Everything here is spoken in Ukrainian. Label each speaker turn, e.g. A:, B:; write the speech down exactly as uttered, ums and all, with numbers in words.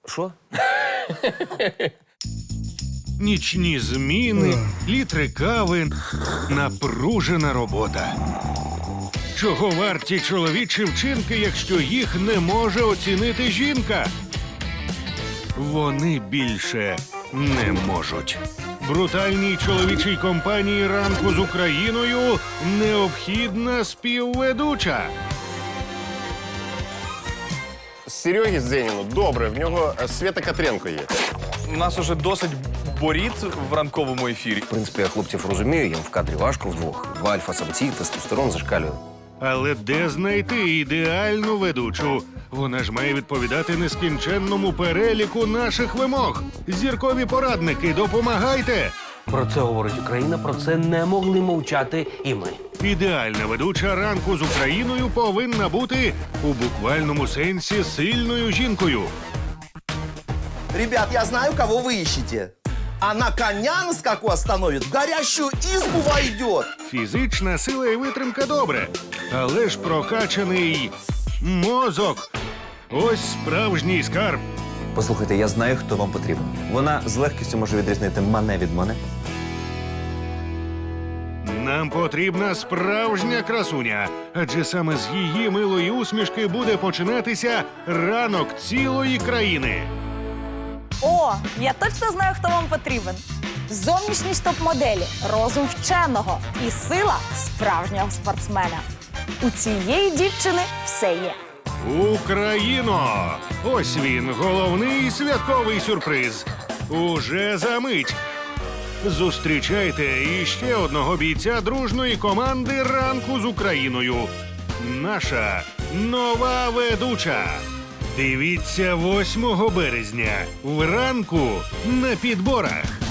A: Що?
B: Нічні зміни, літри кави, напружена робота. Чого варті чоловічі вчинки, якщо їх не може оцінити жінка? Вони більше не можуть. Брутальній чоловічій компанії «Ранку з Україною» необхідна співведуча.
C: Серегі Зеніну добре, в нього Свята Котренко є.
D: У нас уже досить боріт в ранковому ефірі.
A: В принципі, я хлопців розумію, їм в кадрі важко вдвох. Два альфа-самці, тестостерон зашкалює.
B: Але де знайти ідеальну ведучу? Вона ж має відповідати нескінченному переліку наших вимог. Зіркові порадники, допомагайте!
E: Про це говорить Україна, про це не могли мовчати і ми.
B: Ідеальна ведуча «Ранку з Україною» повинна бути у буквальному сенсі сильною жінкою.
F: Ребят, я знаю, кого вы ищете. Она коня на скаку остановит, в горящую избу войдет.
B: Фізична сила і витримка добре, але ж прокачаний мозок. Ось справжній скарб.
G: Послухайте, я знаю, хто вам потрібен. Вона з легкістю може відрізнити мене від мене.
B: Нам потрібна справжня красуня, адже саме з її милої усмішки буде починатися ранок цілої країни.
H: О, я точно знаю, хто вам потрібен. Зовнішність топ-моделі, розум вченого і сила справжнього спортсмена. У цієї дівчини все є.
B: Україно! Ось він, головний святковий сюрприз. Уже за мить. Зустрічайте іще одного бійця дружної команди «Ранку з Україною». Наша нова ведуча. Дивіться восьмого березня. Вранку на підборах.